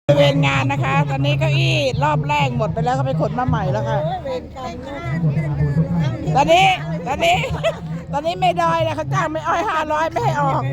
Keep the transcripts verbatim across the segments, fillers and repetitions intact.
บริเวณงานนะคะ ตอนนี้เก้าอี้รอบแรกหมดไปแล้วก็ไปขนมาใหม่แล้วค่ะ ตอนนี้ตอนนี้ตอนนี้ไม่ดอยนะเขาจ้างไม่อ้อยห้าร้อยไม่ให้ออก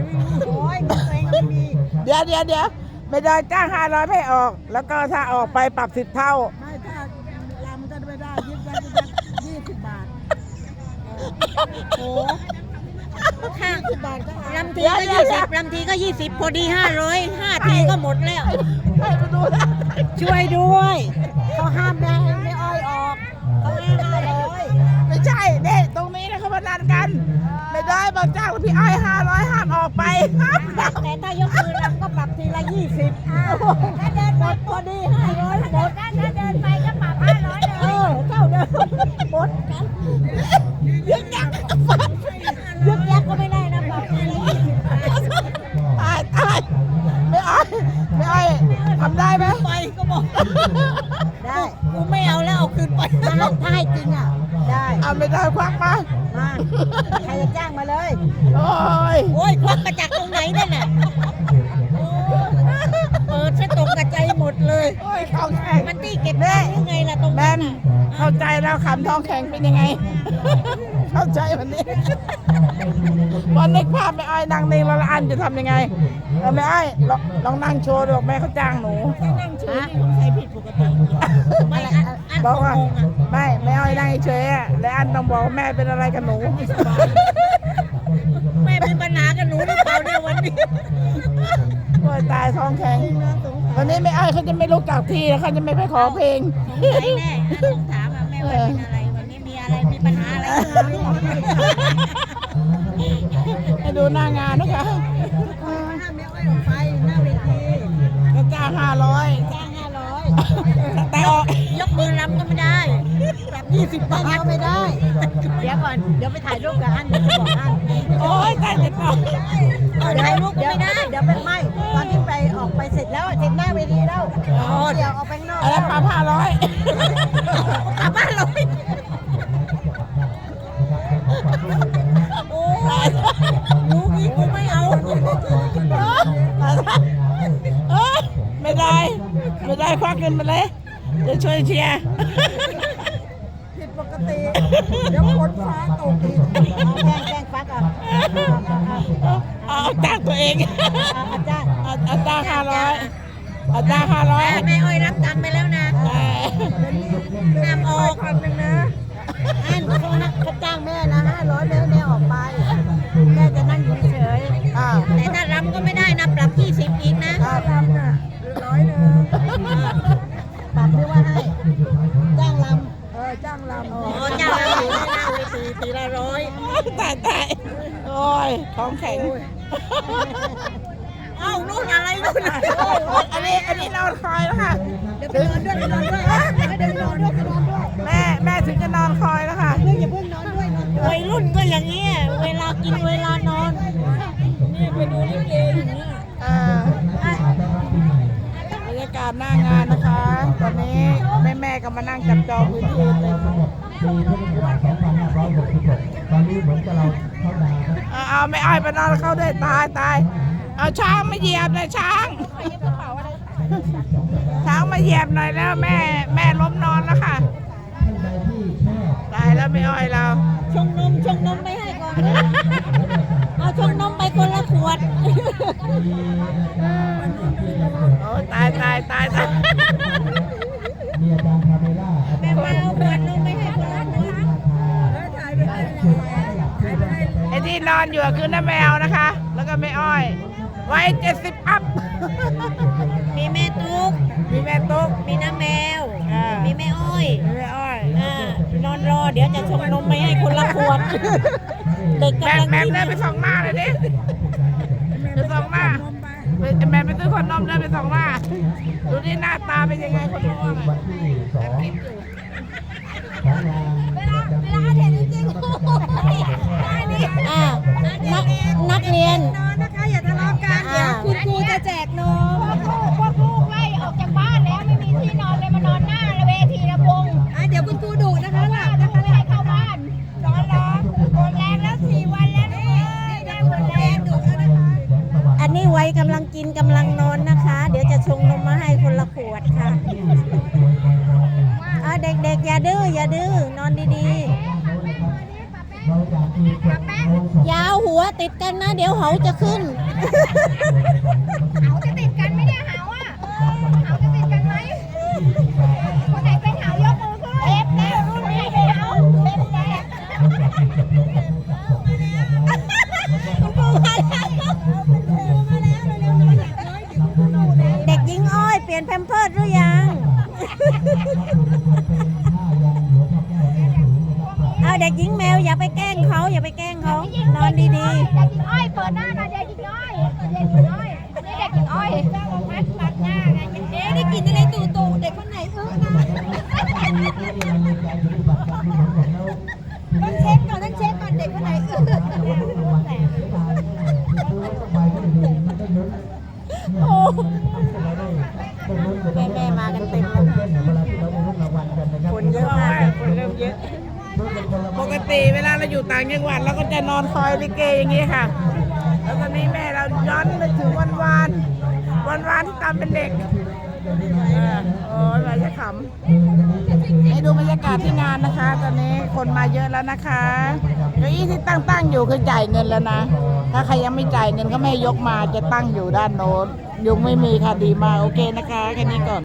เดี๋ยวเดี๋ยวเดี๋ยวไม่ดอยจ้างห้าร้อยไม่ให้ออก แล้วก็ถ้าออกไปปรับสิบเท่าไม่ถ้าลำก็ไม่ได้ยิบได้ยี่สิบบาทโอ้ห้าสิบบาทก็ลำทีก็ยี่สิบลำทีก็ยี่สิบพอดีห้าร้อยห้าทีก็หมดแล้วให้มาดูนะช่วยด้วยเขาห้ามไม่ให้ไม่อ้อยออกเขาให้ห้าร้อยไม่ใช่เนี่ยตรงนี้นะเขาพนันกันไม่ได้บอกจ้างพี่อ้อยห้าร้อยห้ามออกไปห้ามออกแต่ถ้ายกมือลำก็ปรับทีละยี่สิบถ้าเดินหมดพอดีห้าร้อยหมดถ้าเดินไปก็ปรับห้าร้อยเลยเออเท่าเดิมหมดกันยึกยักยึกยักก็ไม่ได้นะปรับทีละยี่สิบตายตายไม่อ้อยไม่อ้อยทำได้ไหมไปก็บอกได้กูไม่เอาแล้วเอาคืนไปถ้าถ้าให้จริงอ่ะได้เอาไม่ได้ควักมามาใครจะจ้างมาเลยโอ้ยโอ้ยควักมาจากตรงไหนนั่นน่ะเปิดซะตรงกระจายหมดเลยโอ้ยท้องแข็งมันที่เก็บได้ยังไงล่ะตรงนั้นเข้าใจแล้วขำท้องแข็งเป็นยังไงเข้าใจวันนี้วันนึกภาพไม่อ้อยนั่งนิ่งแล้วอันจะทำยังไงเออไม่อ้อยลองนั่งโชว์ดูแม่เขาจ้างหนูนั่งโชว์นี่ใช้ผิดปกติไม่บอกว่าไม่ไม่อ้อยนั่งเฉยๆและอันต้องบอกแม่เป็นอะไรกับหนูแม่เป็นปัญหากับหนูหรือเปล่าเนี่ยวันนี้โอ้ยตายท้องแข็งวันนี้ไม่อ้อยเขาจะไม่ลุกจากที่แล้วเขาจะไม่ไปขอเพลงสงสัยแน่ต้องถามว่าแม่ว่าเป็นอะไรวันนี้มีอะไรมีปัญหาอะไรให้ดูหน้างานนะคะห้ามแม่อ้อยออกไปหน้าเวทีก็จ้างห้าร้อยจ้างห้าร้อยแต่ออกยกมือรับก็ไม่ได้แบบยี่สิบบาทก็ไม่ได้เดี๋ยวก่อนเดี๋ยวไปถ่ายรูปกับอันเดี๋ยวจะบอกอันโอ้ยตายติดต่อถ่ายรูปก็ไม่ได้เดี๋ยวเป็นไม่ตอนที่ไปออกไปเสร็จแล้วเสร็จหน้าเวทีแล้วเดี๋ยวออกไปนอกอะไรปลาผ้าร้อยปลาผ้าร้อยโอ้ยรู้งี้กูไม่เอาเออไม่ได้ไม่ได้ควักเงินมาเลยจะช่วยเชียร์ผิดปกติเดี๋ยวฝนฟ้าตกอีกแกงแกงฟักอ่ะเอาจ้างตัวเองอาจารย์อาจารย์ห้าร้อยอาจารย์ห้าร้อยแม่อ้อยรับตังค์ไปแล้วนะนำออกพันหนึ่งนะอันเขาเขาจ้างแม่นะห้าร้อยแม่แม่ออกไปแม่จะนั่งอยู่เฉยแต่ถ้ารำก็ไม่ได้นะปรับยี่สิบอีกนะรำน่ะร้อยหนึ่งปรับหรือว่าให้จ้างรำเออจ้างรำอ๋อจ้างรำหน้าเวทีตีละร้อยตายตายโอ้ยท้องแข็งเอ้านู่นอะไรนู่นอันนี้อันนี้นอนคอยแล้วค่ะเดี๋ยวไปนอนด้วยไปนอนด้วยเดี๋ยวไปนอนด้วยไปนอนด้วยแม่แม่ถึงจะนอนคอยแล้วค่ะเพื่อนอย่าเพิ่งนอนด้วยวัยรุ่นก็อย่างนี้เวลากินเวลานอนนี่ไปดูลิเกอย่างนี้บรรยากาศหน้างานนะคะตอนนี้แม่แม่ก็มานั่งจับจองพื้นที่เลยตอนนี้เหมือนกับเราเข้าดาวเอาไม่อ้อยไปนอนเข้าด้วยตายตายเอาช้างมาเหยียบเลยช้างช้างมาเหยียบหน่อยแล้วแม่แม่ล้มนอนแล้วค่ะตายแล้วไม่อ้อยเราชงนมชงนมไปให้ก่อนเอาชงนมไปคนละขวดโอ้ตายตายตายตายแม่มาเอาขวดนมไปให้คนละขวดไอ้ที่นอนอยู่คือน้าแมวนะคะแล้วก็ไม่อ้อยไว้เจ็ดสิบอัพมีแม่ตุ๊กมีแม่ตุ๊กมีน้าแมวมีแม่อ้อยแม่อ้อยนอนรอเดี๋ยวจะชงนมไปให้คนละขวดเด็กกำลังกินแม่ไปส่องมาเลยดิไปส่องมาแม่ไปซื้อคนนมเลยไปส่องมาดูดิหน้าตาเป็นยังไงคนนมเวลาเวลาเห็นจริงๆนักนักเรียนนอนนะคะอย่าทะเลาะกันเดี๋ยวคุณครูจะแจกนมพวกลูกไล่ออกจากบ้านแล้วไม่มีที่นอนเลยมานอนหน้าเวทีระวงเดี๋ยวคุณครูดุนะคะหลับนะคะไม่ให้เข้าบ้านนอนรอหมดแรงแล้วสี่วันแล้วนี่ได้หมดแรงดุแล้วนะคะอันนี้ไว้กำลังกินกำลังนอนนะคะเดี๋ยวจะชงนมมาให้คนละละขวดค่ะอ่าเด็กๆอย่าดื้ออย่าดื้อนอนดีๆอยาวหัวติดกันนะเดี๋ยวเขาจะขึ้นเขาจะติดกันไหมเนี่ยเหาอ่ะเขาจะติดกันไหมคนไหนเป็นเหายกมือขึ้นเอฟแล้วรุ่นนี้เป็นเหาเป็นแดงเด็กหญิงอ้อยเปลี่ยนแพมเพิร์สหรือยัง เอาเด็กหญิงแมวอย่าไปแกล้งเขาอย่าไปแกล้งเขานอนดีเด็กหญิงอ้อยเปิดหน้าหน่อยเด็กหญิงอ้อยเด็กหญิงอ้อยอันนี้เด็กหญิงอ้อยมัดมัดหน้าไงเอ๊ะได้กินอะไรตู่ตู่เด็กคนไหนอึ้งนะต้องเช็คก่อนต้องเช็คก่อนเด็กคนไหนอึ้งๆโอ้แม่แม่ๆมากันเต็มคนเยอะมากคนเริ่มเยอะ ปกติเวลาเราอยู่ต่างจังหวัดเราก็จะนอนคอยลิเกอย่างนี้ค่ะ แล้วตอนนี้แม่เราย้อนไปถึงวันวานวันวานที่ตอนเป็นเด็กเออโอ้ยเราจะขำให้ดูบรรยากาศที่งานนะคะ ตอนนี้คนมาเยอะแล้วนะคะเก้าอี้ที่ตั้งตั้งอยู่คือจ่ายเงินแล้วนะ ถ้าใครยังไม่จ่ายเงินก็ไม่ยกมาจะตั้งอยู่ด้านโน้นยุงไม่มีค่ะดีมากโอเคนะคะแค่นี้ก่อน